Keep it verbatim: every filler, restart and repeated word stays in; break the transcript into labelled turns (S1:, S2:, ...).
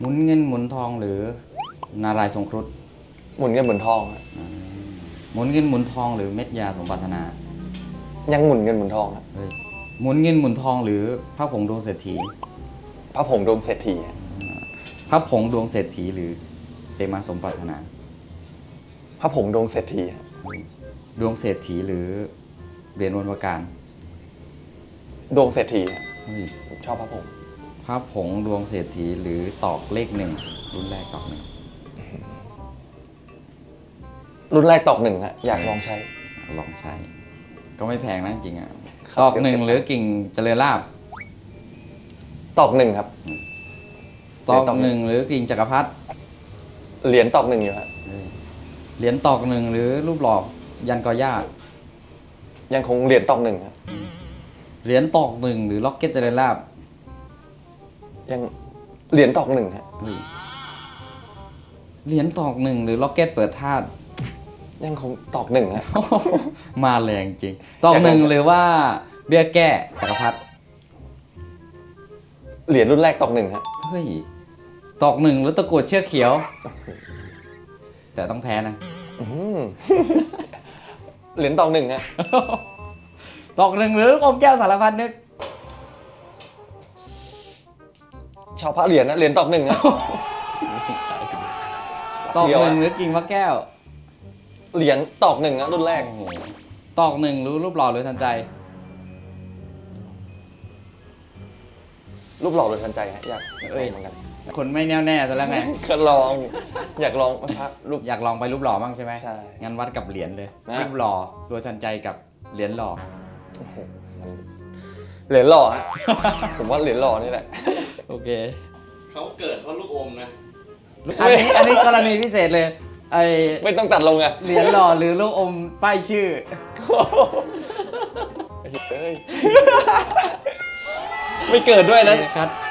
S1: หมุนเงินหมุนทองหรือนารายณ์ทรงครุฑ
S2: หมุนเงินหมุนทอง
S1: หมุนเงินหมุนทองหรือเม็ดยาสมปรารถนา
S2: ยังหมุนเงินหมุนทองครับ
S1: เฮ้ยหมุนเงินหมุนทองหรือพระผงดวงเศรษฐี
S2: พระผงดวงเศรษฐี
S1: พระผงดวงเศรษฐีหรือเสมาสมปรารถนา
S2: พระผงดวงเศรษฐี
S1: ดวงเศรษฐีหรือเหรียญวันประการ
S2: ดวงเศรษฐี
S1: เฮ้ย
S2: ผมชอบพระผง
S1: พระผงดวงเศรษฐีหรือตอกเลขหนึ่งรุ่นแรกตอกหนึ่ง
S2: รุ่นแรกตอกหนึ่งฮะอยากลองใช้
S1: ลองใช้ ก็ไม่แพงนะจริงๆอ่ะ
S2: ครับ
S1: ตอกหนึ่งหรือกิ่งเจริญลาบ
S2: ตอกหนึ่งครับ
S1: ตอกหนึ่งหรือกิ่งจักรพรรดิ
S2: เหรียญตอกหนึ่งอยู่ฮะ
S1: เหรียญตอกหนึ่งหรือรูปหล่อยันกอญาติ
S2: ยังคงเหรียญตอกหนึ่งครับ
S1: เหรียญตอกหนึ่งหรือล็อกเก็ตเจริญลาบ
S2: ยังเหรียญตอกหนึ่งฮะ
S1: เหรียญตอกหนึ่งหรือล็อกเก็ตเปิดธาตุ
S2: ยังคงตอกหนึ่งฮะ
S1: มาแรงจริง ตอกหนึ่งหรือว่าเบี้ยแก้จักรพรรดิ
S2: เหรียญรุ่นแรกตอกหนึ่งฮะ
S1: เฮ้ยตอกหนึ่งหรือตะกรุดเชือกเขียว แต่ต้องแพ้นะ
S2: อื้อหือเหรียญตอกหนึ่งฮะ
S1: ตอกหนึ่งหรือลูกอมแก้วสารพัดนึก
S2: ชาวพระเหรียญนะเหรียญตอกหนึ่งฮะ
S1: ตอก
S2: เดียว
S1: หนึ่
S2: ฮะ
S1: งหรือกิ่งมะแก้ว
S2: เหรียญตอกหนึ่งฮะรุ่นแรก
S1: โอ้โหตอกหนึ่งหรือรูปหล่อหรือทันใจ
S2: รูปหล่อโดยทันใจฮะอยาก
S1: เอ้ย
S2: เหมือนกัน
S1: คนไม่แน่วแน่ซะแล้วไง
S2: ก็ลอง อยากลองพระรูป
S1: อยากลองไปรูปหล่อบ้างใช่ไหม
S2: ใช่
S1: งั้นวัดกับเหรียญเลย
S2: นะ
S1: รูปหล่อรวยทันใจกับเหรียญหล่อ
S2: โอ้โหมันเหรียญหล่อฮะ ผมว่าเหรียญหล่อนี่แหละ
S1: โอเค
S3: เขาเกิดเพราะลูกอมนะ
S1: อันนี้อันนี้กรณีพิเศษเลย ไอ
S2: ไม่ต้องตัดลงอะ
S1: เหรียญหล่อหรือลูกอมป้ายชื่อ
S2: เฮ้ยไม่เกิดด้วยนะ
S1: ครับ